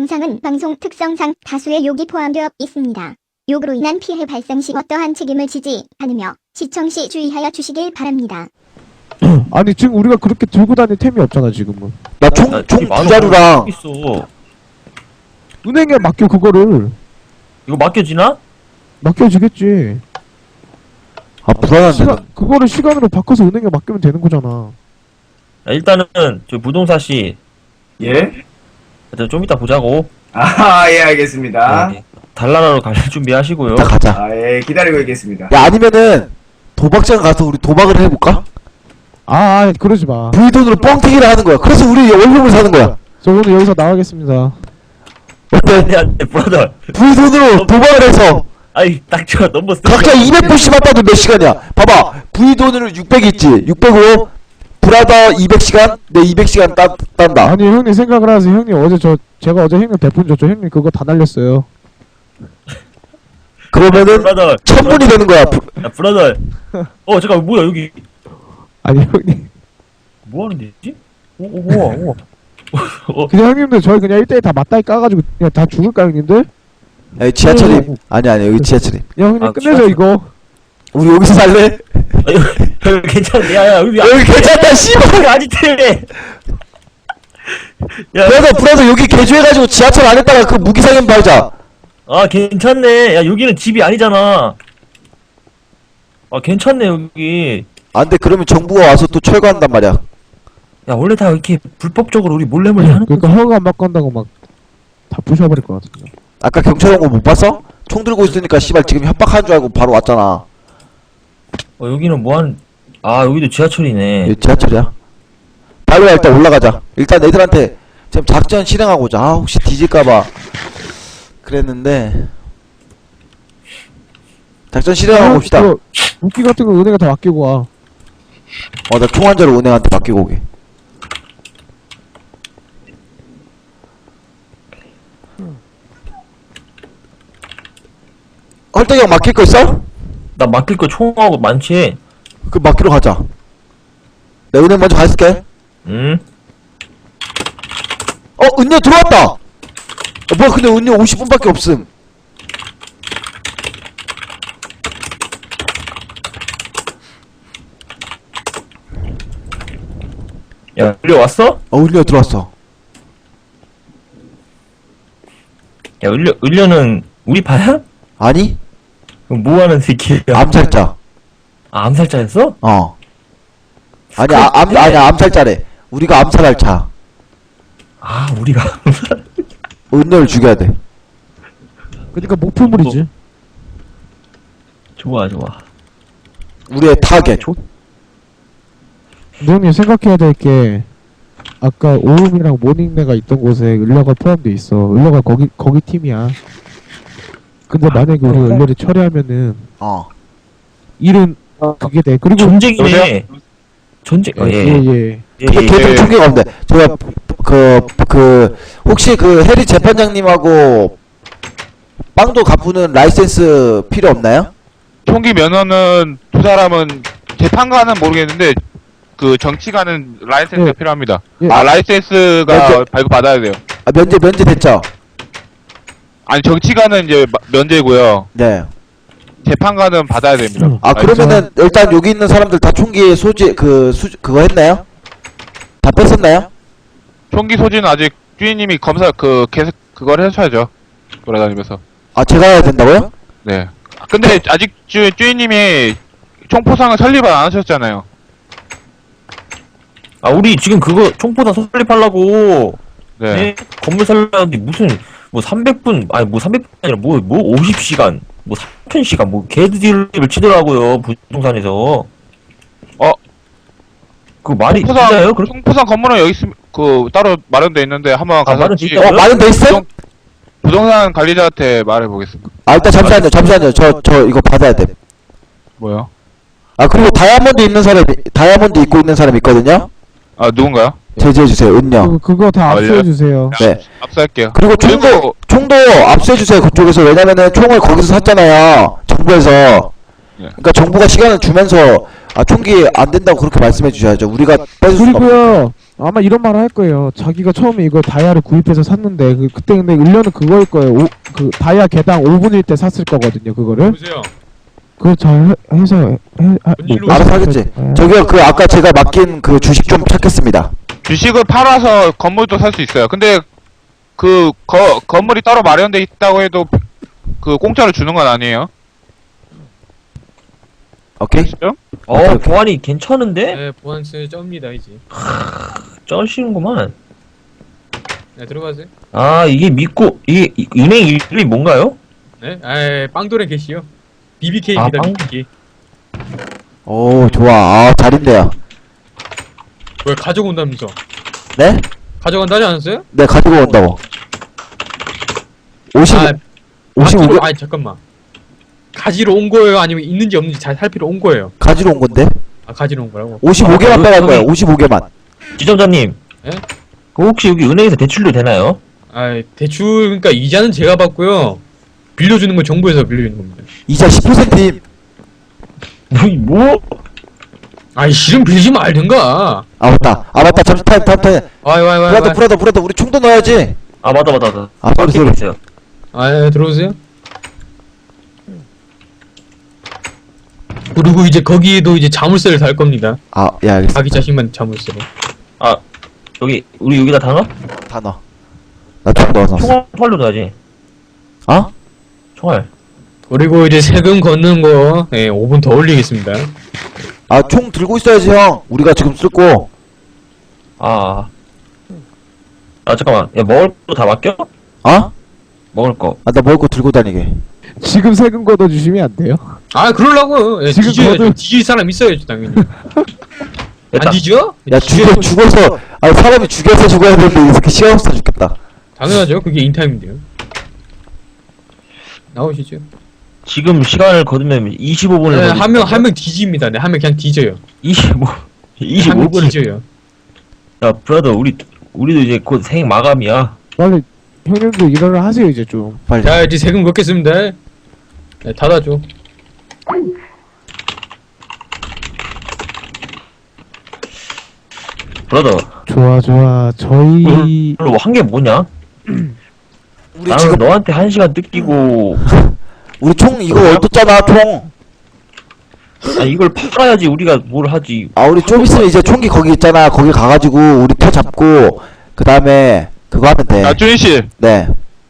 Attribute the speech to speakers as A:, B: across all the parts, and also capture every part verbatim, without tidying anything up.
A: 영상은 방송 특성상 다수의 욕이 포함되어 있습니다. 욕으로 인한 피해 발생 시 어떠한 책임을 지지 않으며 시청 시 주의하여 주시길 바랍니다.
B: 아니 지금 우리가 그렇게 들고 다닐 템이 없잖아 지금은.
C: 나 총 총 두 자루랑
D: 있어.
B: 은행에 맡겨 그거를.
D: 이거 맡겨지나?
B: 맡겨지겠지.
C: 아 불안한데.
B: 시간, 그거를 시간으로 바꿔서 은행에 맡기면 되는 거잖아.
D: 야, 일단은 저 부동사 씨,
E: 예?
D: 일단 좀 이따 보자고.
E: 아, 예, 알겠습니다.
D: 네, 달나라로 갈 준비하시고요.
C: 이따 가자.
E: 아, 예, 기다리고 있겠습니다.
C: 야 아니면은 도박장 가서 우리 도박을 해볼까?
B: 아, 아 그러지 마.
C: 부의 돈으로 뻥튀기를 하는 거야. 그래서 우리 월급을 사는 거야.
B: 저 오늘 여기서 나가겠습니다.
C: 어때?
D: 안돼 안돼 브라더.
C: 부의 돈으로 도박을 해서
D: 아이 딱저 너무 쓰.
C: 각자 이백 불씩만 따도 몇 시간이야? 봐봐. 부의 돈으로 육백 있지. 육백으로 브라더 이백 시간, 내 이백 시간 따, 딴다.
B: 아니 형님 생각을 하세요. 형님 어제 저 제가 어제 형님 대폰 줬죠. 형님 그거 다 날렸어요.
C: 그러면은
D: 브라더.
C: 천분이 되는 거야. 부-
D: 야 브라더. 어 잠깐 뭐야 여기
B: 아니 형님
D: 뭐 하는 데지? 오 오 우와 우와. 어,
B: 그냥 형님들 저희 그냥 일 대일 다 맞다이 까가지고 그냥 다 죽을까 형님들?
C: 야, 지하철이 아니 아니 여기 지하철이.
B: 야 형님
D: 아,
B: 끝내줘
D: 지하철.
B: 이거.
C: 우리 여기서 살래?
D: 여기 괜찮네. 야야 여기
C: 여기 괜찮다 씨발.
D: 아지트네. 야,
C: 브라더 브라더 여기 개조해가지고 지하철 안에다가 그 무기상인 발자.
D: 아 괜찮네. 야 여기는 집이 아니잖아. 아 괜찮네 여기.
C: 안돼 그러면 정부가 와서 또 철거한단 말이야.
D: 야 원래 다 이렇게 불법적으로 우리 몰래 몰래 하는
B: 그러니까
D: 거지.
B: 허가 안 바꾼다고 막 다 부셔버릴 것 같은데.
C: 아까 경찰 온 거 못 봤어? 총 들고 있으니까 씨발 지금 협박한 줄 알고 바로 왔잖아.
D: 어 여기는 뭐한 아 여기도 지하철이네.
C: 여기 지하철이야. 빨리 와 일단 올라가자. 일단 애들한테 지금 작전 실행하고자. 아 혹시 뒤질까봐 그랬는데 작전 실행하고 봅시다.
B: 그거 무기 같은 거 은행에 다 맡기고 와.
C: 어 나 총 한 자루 은행한테 맡기고 오게. 헐떡이 형 맡길 거 있어?
D: 나 맡길 거 총하고 많지.
C: 그 맡기러 가자. 내 은행 먼저 가 있을게.
D: 응?
C: 어 은녀 들어왔다. 어, 뭐야 근데 은녀 오십 분밖에 없음.
D: 야 을려 왔어?
C: 어 은녀 들어왔어.
D: 야 을려 을려는 우리 파야?
C: 아니
D: 그럼 뭐 하는 새끼야?
C: 암살자.
D: 아 암살자였어?
C: 어. 아니 아, 암 아니 암살자래. 우리가 암살할 차.
D: 아 우리가
C: 은녀를 죽여야 돼.
B: 그러니까 목표물이지.
D: 좋아 좋아.
C: 우리의 타겟.
B: 근데 형님 생각해야 될 게 아까 오음이랑 모닝네가 있던 곳에 을려가 포함돼 있어. 을려가 거기 거기 팀이야. 근데 만약에 우리가 을려를 처리하면은
C: 어.
B: 일은 그게 돼. 그리고
D: 전쟁이네. 전쟁. 어,
B: 예,
D: 예.
B: 예.
D: 예,
C: 근데
D: 예,
C: 걔들
D: 예.
C: 총기가 없는데 제가 그 그 혹시 그 해리 재판장님하고 빵도 갚는 라이센스 필요 없나요?
F: 총기 면허는 두 사람은 재판관은 모르겠는데 그 정치관은 라이센스가
B: 네.
F: 필요합니다.
B: 예.
F: 아 라이센스가
C: 면제-
F: 발급 받아야 돼요.
C: 아, 면제 면제 됐죠?
F: 아니 정치관은 이제 마- 면제고요.
C: 네.
F: 재판관은 받아야 됩니다.
B: 음.
C: 아
F: 라이센스.
C: 그러면은 일단 여기 있는 사람들 다 총기 소지 그 수 그거 했나요? 다 뺐었나요?
F: 총기 소지는 아직 주인님이 검사 그 계속 그걸 해줘야죠. 돌아다니면서.
C: 아 제가 해야 된다고요?
F: 네. 근데 아직 주, 주인님이 총포상을 설립을 안 하셨잖아요.
D: 아 우리 지금 그거 총포다 설립하려고
F: 네.
D: 네? 건물 살려는데 무슨 뭐 삼백 분 아니 뭐 삼백 분이 아니라 뭐 뭐 오십 시간 뭐 삼천 시간 뭐 개드립을 치더라고요 부동산에서.
F: 어?
D: 그 말이
F: 총포상
D: 진짜예요? 그
F: 총포상 건물은 여기 있음 그 따로 마련돼 있는데 한번 가서
D: 마련돼
F: 지-
D: 있다고요?
C: 어 마련 돼 있어요?
F: 부동- 부동산 관리자한테 말해 보겠습니다.
C: 아 일단 잠시만요 잠시만요 저 저 이거 받아야 돼.
F: 뭐요?
C: 아 그리고 다이아몬드 있는 사람 다이아몬드 입고 있는 사람 있거든요?
F: 아 누군가요?
C: 제지해주세요 은녀.
B: 그, 그거 다
F: 아,
B: 압수해 주세요.
C: 네.
F: 압수할게요.
C: 그리고 총도
F: 그리고
C: 총도 압수해주세요 그쪽에서. 왜냐면은 총을 거기서 샀잖아요 정부에서.
F: 네.
C: 그러니까 정부가 시간을 주면서 아 총기 안 된다고 그렇게 말씀해 주셔야죠. 우리가 뺏을 수가 없.
B: 그리고요 아마 이런 말을 할 거예요. 자기가 처음에 이거 다이아를 구입해서 샀는데 그, 그때 근데 일련은 그거일 거예요. 오, 그 다이아 개당 오 분일 때 샀을 거거든요. 그거를.
G: 보세요.
B: 그걸 잘 해- 해서 해, 하,
G: 일로
B: 뭐,
C: 알아서 하겠지.
B: 예.
C: 저기요, 그 아까 제가 맡긴 그 주식 좀 찾겠습니다.
F: 주식을 팔아서 건물도 살 수 있어요. 근데 그 거, 건물이 따로 마련돼 있다고 해도 그 공짜로 주는 건 아니에요.
C: 오케이?
F: 아시죠?
D: 어, 보안이 괜찮은데?
G: 네, 보안스 쩝니다 이제.
D: 쩔시는구만.
G: 네, 들어가세요.
D: 아, 이게 믿고, 이게, 이- 은행 이름이 뭔가요?
G: 네, 아, 빵도레 게시요. 비비케이입니다.
D: 아, 빵-
G: 비비케이.
C: 오, 좋아. 아, 잘인데요.
G: 왜 가져온다면서?
C: 네?
G: 가져간다지 않았어요?
C: 네, 가지고 온다고. 오십,
G: 아,
C: 오십오 개
G: 아, 아니 잠깐만. 가지러 온 거예요? 아니면 있는지 없는지 잘 살피러 온 거예요?
C: 가지러 온 건데?
G: 아, 가지러 온 거라고?
C: 오십오 개만
D: 아,
C: 빼갈
D: 저기-
C: 거예요. 오십오 개만.
D: 지점장님.
G: 예?
D: 그 혹시 여기 은행에서 대출도 되나요?
G: 아, 대출 그러니까 이자는 제가 받고요. 빌려주는 건 정부에서 빌려주는 겁니다.
C: 이자 십 퍼센트임.
D: 뭐, 뭐?
G: 아이, 실은 빌리지 말든가.
C: 아, 맞다. 아, 맞다. 잠시 타임, 타임, 타임.
G: 아이, 와이, 와이,
C: 브라더,
G: 와이.
C: 브라더, 브라더. 우리 총도 넣어야지.
D: 아, 맞다, 맞다, 맞다.
C: 아, 쏘리, 쏘리.
D: 있어요.
G: 아, 예, 들어오세요. 그리고 이제 거기에도 이제 자물쇠를 달 겁니다.
C: 아, 예, 알겠습니다.
G: 자기 자신만 자물쇠로.
D: 아, 여기, 우리 여기다 다 넣어?
C: 다 넣어. 나 총 넣어놨어.
D: 총알, 총알로 넣어야지.
C: 어?
D: 총알.
G: 그리고 이제 세금 걷는 거, 예, 오 분 더 올리겠습니다.
C: 아, 총 들고 있어야지, 형. 우리가 지금 쓸고.
D: 아. 아, 잠깐만. 야, 먹을 거 다 맡겨?
C: 어?
D: 먹을 거.
C: 아, 나 먹을 거 들고 다니게.
B: 지금 세금 걷어주시면 안 돼요?
G: 아, 그러려고. 예,
B: 지금
G: 뒤져야죠.
B: 거들-
G: 뒤질 사람 있어야죠, 당연히.
D: 됐다.
G: 안 뒤져?
C: 야, 죽여, 죽어서, 아, 사람이 죽여서 죽어야 되는데, 이렇게 시간 없어 죽겠다.
G: 당연하죠. 그게 인타임인데요. 나오시죠.
D: 지금 시간을 거두면 이십오 분을
G: 네, 한 명, 한 명 뒤집니다. 네, 한 명 그냥 뒤져요.
D: 이십오,
G: 한 명
D: 이십오 분을.
G: 뒤져요.
D: 야, 브라더, 우리, 우리도 이제 곧 생 마감이야.
B: 빨리 형님도 일어나 하세요 이제 좀.
C: 빨리.
G: 자, 이제 세금 걷겠습니다. 네, 닫아줘.
D: 브라더,
B: 좋아 좋아. 저희
D: 별로 한 게 뭐냐?
C: 우리
D: 나는
C: 지금,
D: 너한테 한 시간 뜯기고,
C: 우리 총 이거 얻었잖아, 총.
D: 아, 이걸 팔아야지 우리가 뭘 하지.
C: 아, 우리 좀 있으면 이제 총기 거기 있잖아. 거기 가가지고, 우리 터 잡고, 그 다음에, 그거 하면 돼.
F: 아, 준희 씨.
C: 네.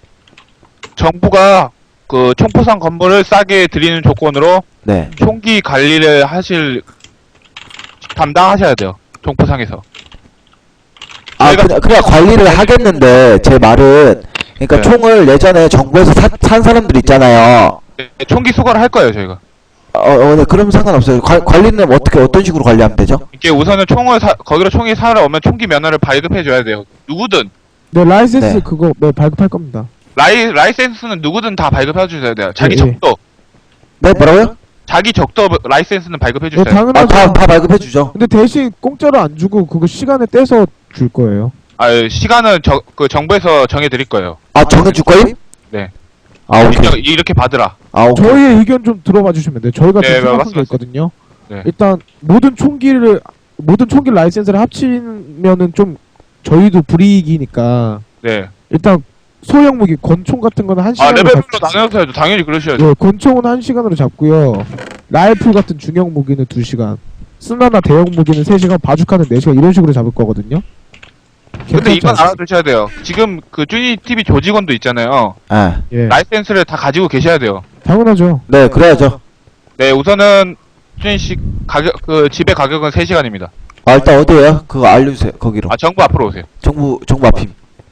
F: 정부가 그 총포상 건물을 싸게 드리는 조건으로
C: 네.
F: 총기 관리를 하실 담당하셔야 돼요. 총포상에서.
C: 아,
F: 저희가-
C: 그냥, 그냥 관리를 하겠는데, 제 말은, 그러니까
F: 네.
C: 총을 예전에 정부에서 사, 산 사람들 있잖아요.
F: 네, 총기 수거를 할 거예요, 저희가.
C: 어, 어, 네, 그럼 상관없어요. 관, 관리는 어떻게, 어떤 식으로 관리하면 되죠?
F: 이게 우선은 총을 사, 거기로 총이 사러 오면 총기 면허를 발급해 줘야 돼요. 누구든.
B: 네 라이센스
C: 네.
B: 그거 네 발급할 겁니다.
F: 라이, 라이센스는 누구든 다 발급해 주셔야 돼요. 자기
B: 예, 예.
F: 적도.
C: 네, 뭐라고요?
F: 자기 적도 라이센스는 발급해
B: 네
F: 주셔야 돼요.
C: 아,
B: 당연하죠.
C: 다, 다 발급해주죠.
B: 근데 대신 공짜로 안 주고 그거 시간에 떼서 줄 거예요.
F: 아, 시간은 저, 그 정부에서 정해 드릴 거예요.
C: 아, 정해줄 거임?
F: 네.
C: 아, 오케이.
F: 이렇게, 이렇게 받으라.
C: 아, 오케이.
B: 저희의 의견 좀 들어봐 주시면 돼요. 저희가
F: 네,
B: 좀 생각한 게
F: 맞습니다.
B: 있거든요.
F: 네.
B: 일단 모든 총기를 모든 총기 라이센스를 합치면은 좀 저희도 불이익이니까
F: 네.
B: 일단 소형 무기 권총 같은 거는 한
F: 아,
B: 시간으로
F: 레벨별로
B: 잡-
F: 나눠서 해야죠. 당연히 그러셔야죠.
B: 예, 권총은 한 시간으로 잡고요. 라이플 같은 중형 무기는 두 시간. 스나나 대형 무기는 세 시간, 바주카는 네 시간 이런 식으로 잡을 거거든요.
F: 근데
B: 괜찮지
F: 이건
B: 않습니까?
F: 알아두셔야 돼요. 지금 그 쭈니 티비 조직원도 있잖아요.
C: 예.
B: 예,
F: 라이센스를 다 가지고 계셔야 돼요.
B: 당연하죠.
C: 네, 그래야죠.
F: 네, 우선은 쭈니 씨 가격 그 집의 가격은 세 시간입니다.
C: 아, 일단 어디에요? 그거 알려주세요. 거기로.
F: 아, 정부 앞으로 오세요.
C: 정부, 정부 앞임.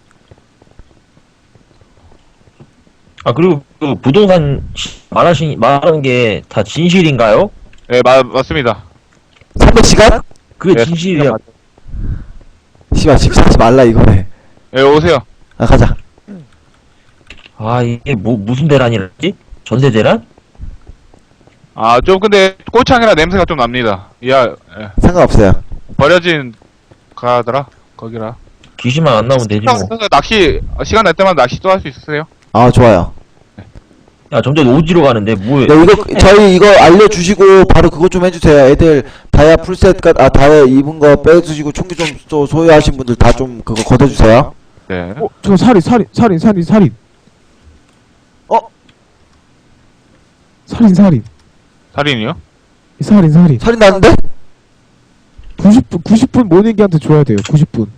D: 아, 그리고 그 부동산 말하신, 말하는 게 다 진실인가요?
F: 네, 마, 맞습니다.
C: 삼백 시간?
D: 그게
F: 네,
D: 진실이야.
C: 씨발, 집 사지 말라, 이거네.
F: 네, 오세요.
C: 아, 가자.
D: 아, 이게 뭐, 무슨 대란이랬지? 전세 대란?
F: 아, 좀 근데 꼬창이라 냄새가 좀 납니다. 야, 예.
C: 상관없어요.
F: 버려진 가더라. 거기라.
D: 귀신만 안 나오면 되지 뭐.
F: 그래서 낚시 시간 날 때마다 낚시 또 할 수 있으세요?
C: 아, 좋아요.
D: 야, 점점 오지로 가는데, 뭐해.
C: 네, 이거, 저희 이거 알려주시고, 바로 그것 좀 해주세요. 애들 다 다이아 풀셋, 아, 다이아 입은 거 빼주시고, 총기 좀 소- 소유하신 분들 다 좀 그거 걷어주세요.
F: 네.
B: 어, 저 살인, 살인, 살인, 살인, 살인.
C: 어?
B: 살인, 살인.
F: 살인이요?
B: 살인, 살인.
C: 살인 났는데?
B: 구십 분, 구십 분 모닝기한테 줘야 돼요, 구십 분.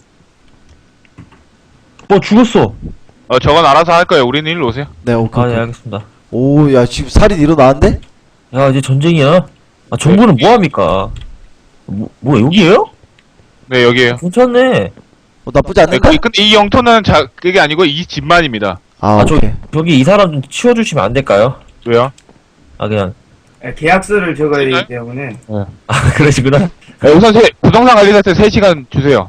D: 어, 죽었어.
F: 어, 저건 알아서 할 거예요. 우리는 일로 오세요.
C: 네, 오케이.
D: 아, 네,
C: 오케이.
D: 알겠습니다.
C: 오, 야, 지금 살인 일어나는데?
D: 야, 이제 전쟁이야. 아, 정부는 뭐합니까? 뭐, 뭐, 여기에요?
F: 네, 여기에요.
D: 괜찮네.
C: 어, 나쁘지
F: 네,
C: 않는데?
F: 그- 근데 이 영토는 자, 그게 아니고 이 집만입니다.
C: 아,
D: 아, 저,
C: 오케이.
D: 저기 이 사람 좀 치워주시면 안 될까요?
F: 왜요?
D: 아, 그냥.
E: 예, 계약서를 적어야 되기 때문에.
D: 아, 그러시구나.
F: 네, 우선 세, 부동산 관리사한테 세 시간 주세요.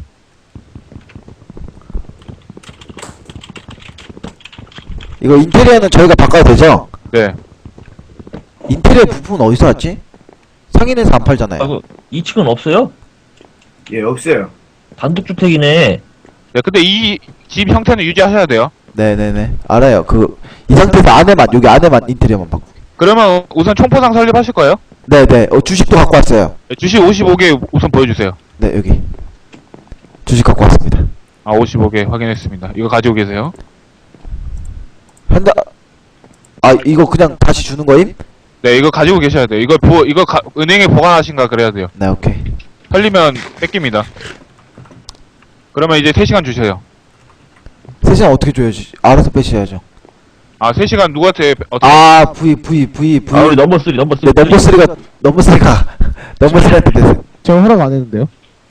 C: 이거 인테리어는 저희가 바꿔도 되죠?
F: 네.
C: 인테리어 부품은 어디서 왔지? 상인에서 안 팔잖아요.
D: 아, 그, 이 층은 없어요?
E: 예, 없어요.
D: 단독주택이네.
F: 네, 근데 이 집 형태는 유지하셔야 돼요.
C: 네네네. 알아요. 그, 이 상태에서 안에만, 여기 안에만 인테리어만 바꾸게.
F: 그러면 우선 총포상 설립하실 거예요?
C: 네네. 어, 주식도 갖고 왔어요.
F: 네, 주식 오십오 개 우선 보여주세요.
C: 네, 여기. 주식 갖고 왔습니다.
F: 아, 오십오 개 확인했습니다. 이거 가지고 계세요.
C: 현다, 아, 이거 그냥 다시 주는 거임?
F: 네, 이거 가지고 계셔야 돼요. 이거 보, 이거 가, 은행에 보관하신가 그래야 돼요.
C: 네, 오케이.
F: 털리면 뺏깁니다. 그러면 이제 세 시간 주세요.
C: 세 시간 어떻게 줘야지? 알아서 빼셔야죠.
F: 아, 세 시간 누구한테, 어떻게,
C: 아, V, V, V, V.
D: 아, 우리 넘버 쓰리, 넘버 쓰리.
C: 네, 넘버 쓰리가, 넘버 쓰리가, 넘버 쓰리한테 됐어요.
B: 저 허락 안 했는데요?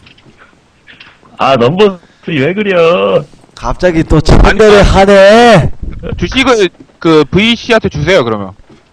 D: 아, 넘버 쓰리 왜 그려?
C: 갑자기 또 참배를 하네.
F: 주식을 그 브이씨한테 주세요, 그러면.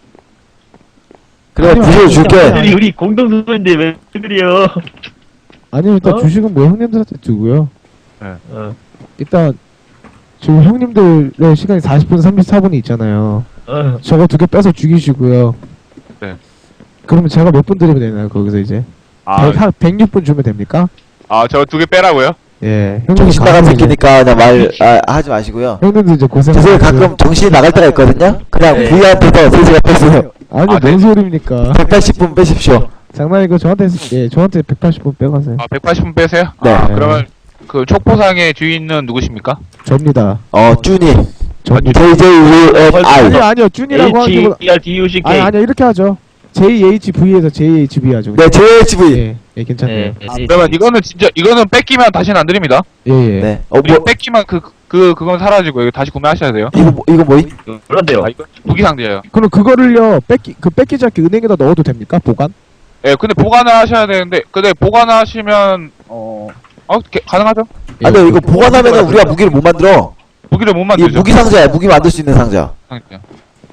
C: 그래,
B: 아니요,
C: 부실
B: 아니요,
C: 줄게.
B: 아니요.
D: 우리, 우리 공동소인데 왜 그려?
B: 아니요, 일단
D: 어?
B: 주식은 뭐 형님들한테 두고요.
D: 어,
B: 일단, 지금 형님들의 시간이 사십 분, 삼십사 분이 있잖아요.
D: 어.
B: 저거 두 개 빼서 죽이시고요.
F: 네.
B: 그러면 제가 몇 분 드리면 되나요, 거기서 이제?
F: 아,
B: 백, 한 백육 분 주면 됩니까?
F: 아, 저 두 개 빼라고요?
B: 예. 형님
C: 정신 나간 새끼니까 그냥 말, 아, 하지 마시고요.
B: 형님도 이제 고생.
C: 죄송해요, 가끔 정신이 나갈 때가 있거든요? 그냥
D: 네.
C: V한테서 세 시간 뺐어요.
B: 아니,
F: 아, 네.
B: 뭔 소리입니까?
C: 백팔십 분 빼십시오.
B: 장난이고 저한테, 예, 저한테 백팔십 분 빼가세요.
F: 아, 백팔십 분 빼세요?
C: 네.
F: 아, 그러면 그 촉포상의 주인은 누구십니까?
B: 접니다.
C: 어, 쭈니.
B: 접니다.
C: 제이 제이 U F I.
B: 아니요, 아니요, 준이라고 하기보다.
D: H E R D U C K.
B: 아니, 아니요, 이렇게 하죠. 제이 에이치 브이에서 제이 에이치 비 하죠.
C: 네, 제이 에이치 V.
B: 예, 예, 괜찮네요.
D: 네,
F: 아, 그러면 이거는 진짜, 이거는 뺏기면 다시는 안 드립니다.
B: 예, 예.
C: 네. 어,
F: 이거
C: 뭐,
F: 뺏기면 그, 그, 그건 사라지고, 이거 다시 구매하셔야 돼요.
C: 이거, 뭐, 이거 뭐이?
D: 그런데요.
F: 아, 이거 무기상자예요.
B: 그럼 그거를요, 뺏기, 그 뺏기지 않게 은행에다 넣어도 됩니까? 보관?
F: 예, 근데 보관을 하셔야 되는데, 근데 보관을 하시면, 어, 어, 게, 가능하죠?
B: 예,
C: 아, 근데 이거
B: 그-
C: 보관하면은 우리가 무기를 못 만들어.
F: 무기를 못
C: 이
F: 만들죠.
C: 무기 상자야, 무기 만들 수 있는 상자.
F: 상자요.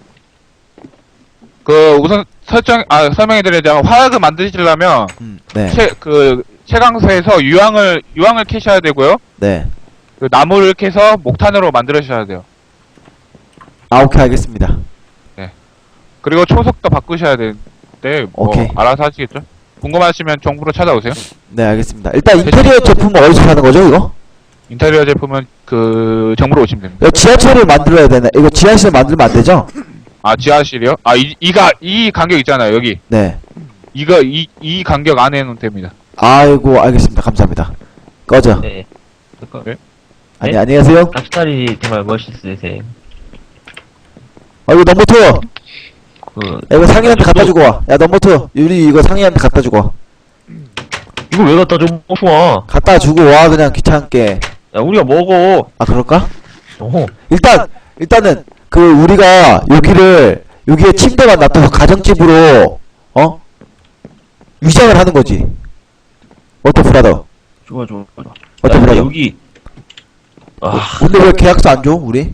F: 그, 우선 설정, 아, 설명해드리자면, 화약을 만드시려면,
C: 음, 네.
F: 채, 그, 채광소에서 유황을, 유황을 캐셔야 되고요.
C: 네.
F: 그 나무를 캐서 목탄으로 만들으셔야 돼요.
C: 아, 오케이, 알겠습니다.
F: 그리고 초석도 바꾸셔야 되는데, 뭐,
C: 오케이.
F: 알아서 하시겠죠? 궁금하시면 정부로 찾아오세요.
C: 네, 알겠습니다. 일단 인테리어 제품은 어디서 사는 거죠, 이거?
F: 인테리어 제품은 그, 정부로 오시면 됩니다.
C: 이거 지하철을 만들어야 되네. 이거 지하실 만들면 안 되죠?
F: 아, 지하실이요? 아, 이, 이가, 이 간격 있잖아요, 여기.
C: 네.
F: 이거, 이, 이 간격 안에는 됩니다.
C: 아이고, 알겠습니다. 감사합니다. 꺼져.
D: 네. 그거,
C: 아니,
D: 네?
C: 안녕하세요.
D: 앞살이 정말 멋있으세요.
C: 아, 이거 넘버 투.
D: 그,
C: 야, 이거 상인한테 갖다 주고 와. 야, 넘버 투. 유리 이거 상인한테 갖다 주고 와.
D: 이거 왜 갖다 줘? 먹어.
C: 갖다 주고 와, 그냥 귀찮게.
D: 야, 우리가 먹어.
C: 아, 그럴까?
D: 어.
C: 일단, 일단은, 그, 우리가 여기를, 여기에 침대만 놔둬서 가정집으로, 어? 위장을 하는 거지. 어때, 브라더?
D: 좋아, 좋아, 좋아. 야,
C: 어때,
D: 근데
C: 브라더?
D: 여기. 아,
C: 근데 왜 계약서 안 줘, 우리?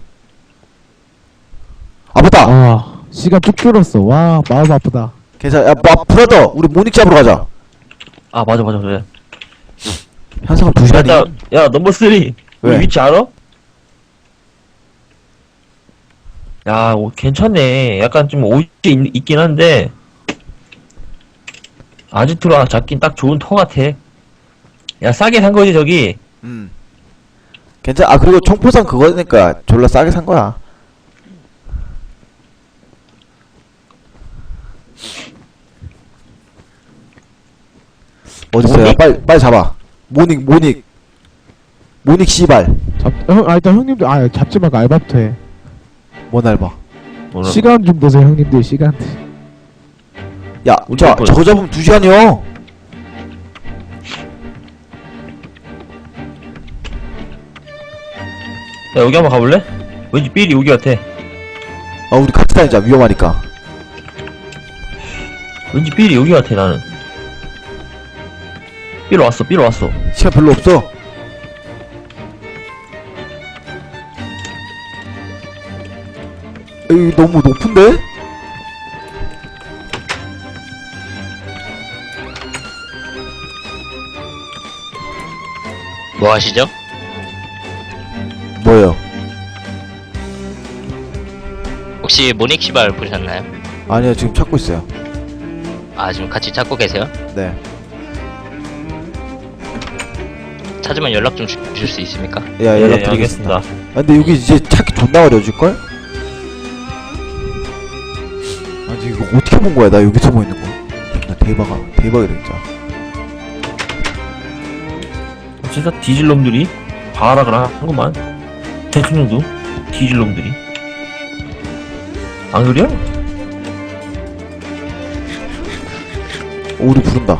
C: 아, 맞다!
B: 아, 시간 쭉 줄었어. 와, 마음 아프다.
C: 괜찮아. 야, 마, 브라더! 우리 모닉 잡으러 가자.
D: 아, 맞아, 맞아, 맞아.
C: 현상은 두
D: 야,
C: 시간이.
D: 나, 야, 넘버 쓰리.
C: 왜?
D: 우리 위치 알아? 야, 오, 괜찮네. 약간 좀 옷이 있, 있긴 한데. 아지트로 잡긴 딱 좋은 터 같아. 야, 싸게 산 거지, 저기.
C: 음. 괜찮아. 아, 그리고 총포상 그거니까 졸라 싸게 산 거야. 어딨어요?
D: 모닉?
C: 빨리 빨리 잡아. 모닉 모닉 모닉 씨발.
B: 잡, 형, 아, 일단 형님들, 아, 잡지 말고 알바부터 해.
C: 뭔 알바?
D: 뭐라-
B: 시간 좀 보세요, 형님들, 시간.
C: 야,
D: 우리
C: 자,
D: 거-
C: 저거 잡으면 두 시간이요.
D: 야, 여기 한번 가볼래? 왠지 삘이 여기 같아.
C: 아, 우리 같이 다니자. 위험하니까.
D: 왠지 삘이 여기 같아, 나는. 삘 왔어, 삘 왔어.
C: 시간 별로 없어. 여기 너무 높은데?
H: 뭐 하시죠?
C: 뭐예요?
H: 혹시 모닉 시발 보셨나요?
C: 아니요, 지금 찾고 있어요.
H: 아 지금 같이 찾고 계세요?
C: 네.
H: 찾으면 연락 좀 주, 주실 수 있습니까?
C: 야,
D: 예,
C: 연락드리겠습니다.
D: 알겠습니다.
C: 아, 근데 여기 이제 찾기 존나 어려워질걸? 아니, 이거 어떻게 본 거야? 나 여기 숨어 있는 거. 나 대박아. 대박이다, 진짜.
D: 진짜 뒤질 놈들이 발악을 한구만. 대통령도 뒤질 놈들이. 안 그래요?
C: 오, 우리 부른다.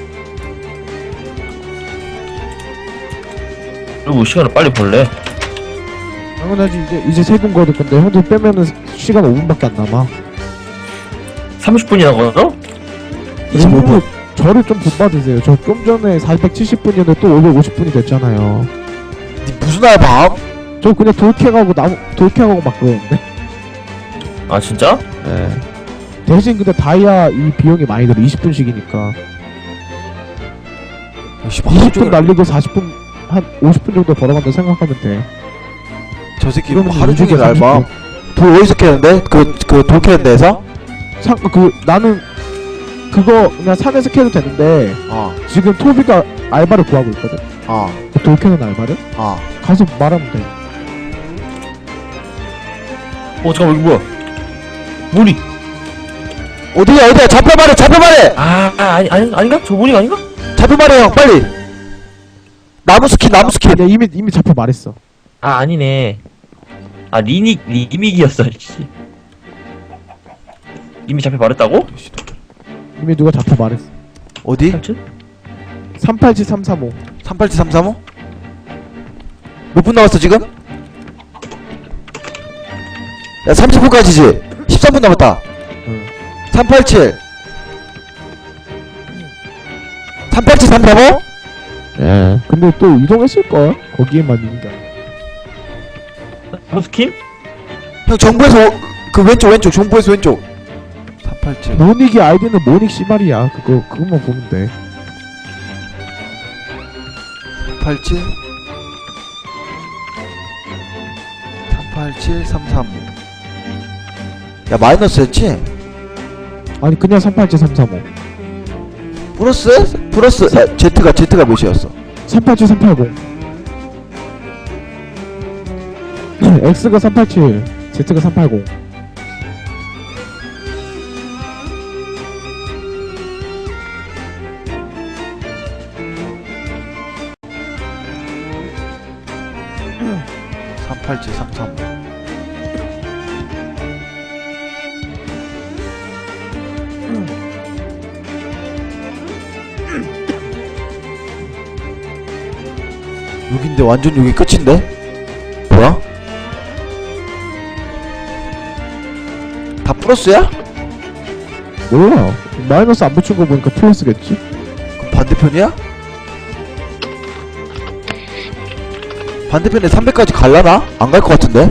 D: 그리고 시간을 빨리 벌래.
B: 당연하지, 이제, 이제 세 분 거둘 건데, 형들 빼면은 시간 오 분밖에 안 남아.
D: 삼십 분이나 걸어?
C: 이십오 분.
B: 저를 좀 본받으세요. 저 좀 전에 사백칠십 분이었는데 또 오백오십 분이 됐잖아요.
C: 니 무슨 알바?
B: 저 그냥 돌캐가고 나무, 돌캐가고 막 그러는데.
D: 아, 진짜?
B: 예. 대신 근데 다이아 이 비용이 많이 들어. 이십 분씩이니까.
C: 씨발,
B: 이십 분
C: 하루 종일-
B: 날리고 사십 분, 한 오십 분 정도 벌어간다 생각하면 돼.
C: 저 새끼 뭐
B: 그러면
C: 하루
B: 요즘에
C: 종일 알바.
B: 삼십
C: 돌 어디서 캐는데? 그, 그 돌 캐는 데에서?
B: 상, 그, 나는, 그거 그냥 산에서 캐도 되는데,
C: 어,
B: 지금 토비가 알바를 구하고 있거든?
C: 어,
B: 그 돌캐는 알바를?
C: 어.
B: 가서 말하면 돼.
D: 어, 잠깐만, 이거 뭐야? 모닉!
C: 어디야, 어디야? 잡혀 말해, 잡혀 말해!
D: 아, 아, 아니, 아니, 아닌가? 저 모닉 아닌가?
C: 잡혀 말해, 형, 빨리! 나무 스킨, 나무 스킨!
B: 아니야, 이미, 이미 잡혀 말했어.
D: 아, 아니네. 아, 리닉, 리믹이었어, 씨. 이미 잡혀 말했다고?
B: 이미 누가 잡혀 말했어.
C: 어디?
D: 삼촌?
B: 삼팔칠 삼삼오.
C: 삼팔칠 삼삼오? 몇 분 남았어, 지금? 야, 삼십 분까지지? 십삼 분 남았다.
B: 응.
C: 삼팔칠. 삼팔칠 삼삼오?
B: 예. 근데 또 이동했을걸? 거기에만 있는 게 아니라.
D: 버스킨?
C: 형, 정부에서, 오- 그 왼쪽, 왼쪽, 정부에서 왼쪽. 삼팔칠.
B: 모닉의 아이디는 모닉 씨발이야. 그거, 그것만 보면 돼.
C: 삼팔칠. 삼팔칠 삼삼오. 야, 마이너스였지?
B: 아니, 그냥 삼팔칠 삼삼오.
C: 플러스? 플러스. 야, Z가, Z가 몇이었어?
B: 삼팔칠 삼팔공. X가 삼팔칠, Z가 삼팔공.
C: 삼팔칠 삼삼오. 여긴데 완전 여기 끝인데? 뭐야? 다 플러스야?
B: 몰라. 마이너스 안 붙인 거 보니까 플러스겠지?
C: 그럼 반대편이야? 반대편에 삼백까지 갈라나? 안 갈 것 같은데?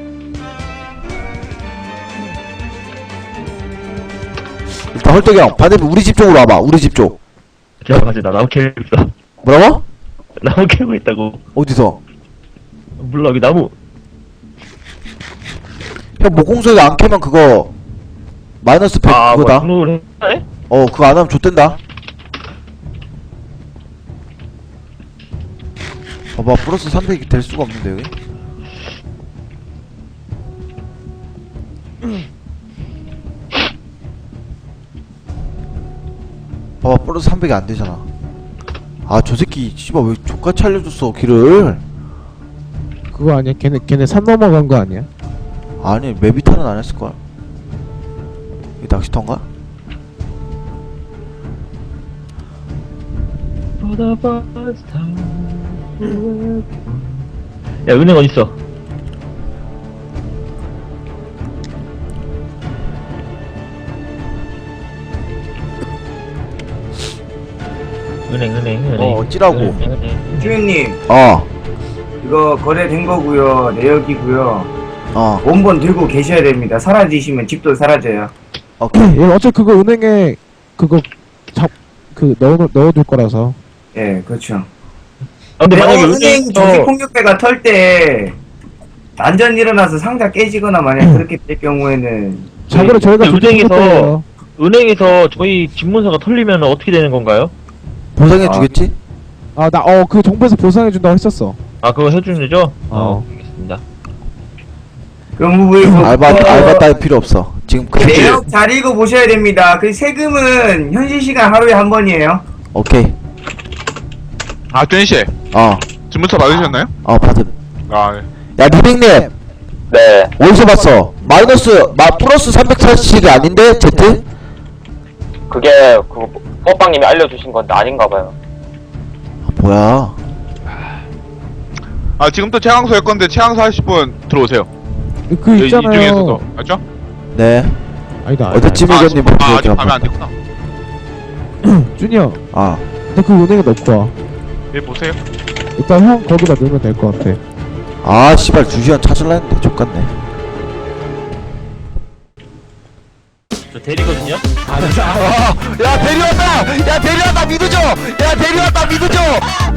C: 일단 헐떡이 형 반대편 우리 집 쪽으로 와봐. 우리 집 쪽.
D: 기다려가지고 나 나무 캐고 있어.
C: 뭐라고?
D: 나무 캐고 있다고.
C: 어디서?
D: 몰라, 여기 나무.
C: 형 목공소에 안 캐면 그거 마이너스 백
D: 아, 뭐,
C: 그거다.
D: 등록을 해?
C: 어 그거 안 하면 좆된다. 봐봐 플러스 삼백이 될 수가 없는데 여기. 봐봐 플러스 삼백이 안 되잖아. 아 저 새끼 씨발 왜 족같이 알려줬어 길을.
B: 그거 아니야? 걔네 걔네 산 넘어간 거 아니야?
C: 아니 메비타는 안 했을걸. 이 낚시터인가?
D: 야 은행 어딨어? 은행 은행 은행
C: 어 어찌라고.
D: 은행, 은행.
E: 주인님,
C: 어
E: 이거 거래된 거고요. 내역이고요.
C: 어.
E: 원본 들고 계셔야 됩니다. 사라지시면 집도 사라져요.
C: 오케이.
B: 얘 어차피 그거 은행에 그거 잡 그 넣어 넣어둘 거라서.
E: 예, 그렇죠.
D: 아, 근데 만약에
E: 은행
D: 은행에서
E: 조직폭력배가 털 때 난전 일어나서 상자 깨지거나 만약 그렇게 될 경우에는
B: 자그래 저희가
D: 그 은행에서-
B: 조직폭력배예요.
D: 은행에서 저희 집문서가 털리면 어떻게 되는 건가요?
C: 보상해 주겠지?
B: 아 나 어 그 정부에서 보상해 준다고 했었어.
D: 아 그거 해주는 거죠?
B: 어.
D: 알겠습니다.
E: 그럼 왜
C: 알바 알바 따위 필요 없어. 지금 그
E: 내역 잘 읽어 보셔야 됩니다. 그 세금은 현실 시간 하루에 한 번이에요.
C: 오케이.
F: 아, 뚜니씨.
C: 어.
F: 주문서 받으셨나요?
C: 어 받음.
F: 아, 네.
C: 야 리빙님
H: 네.
C: 어디서 봤어? 마이너스 마 플러스 삼백사십이 아닌데 Z?
H: 그게 그 뽀빵님이 알려주신 건데 아닌가 봐요.
C: 아, 뭐야?
F: 아, 지금부터 최강소 할 건데 최강소 하실 분 들어오세요.
B: 그
F: 이-
B: 있잖아요.
F: 이쪽에서도. 맞죠?
C: 네.
B: 아니다.
C: 어제 찜
F: 아,
C: 의견님
F: 아직, 아,
C: 목소리
F: 아직 밤에 안
C: 들어봐.
F: 됐구나.
B: 준이야.
C: 아.
B: 너 그 은행에 넣고 와.
F: 예, 보세요.
B: 일단 형 거기다 넣으면 될 것 같아.
C: 아 씨발 주시원 찾을라 했는데 족같네.
D: 저 대리거든요?
C: 야 대리 왔다! 야 대리 왔다 믿어줘! 야 대리 왔다 믿어줘!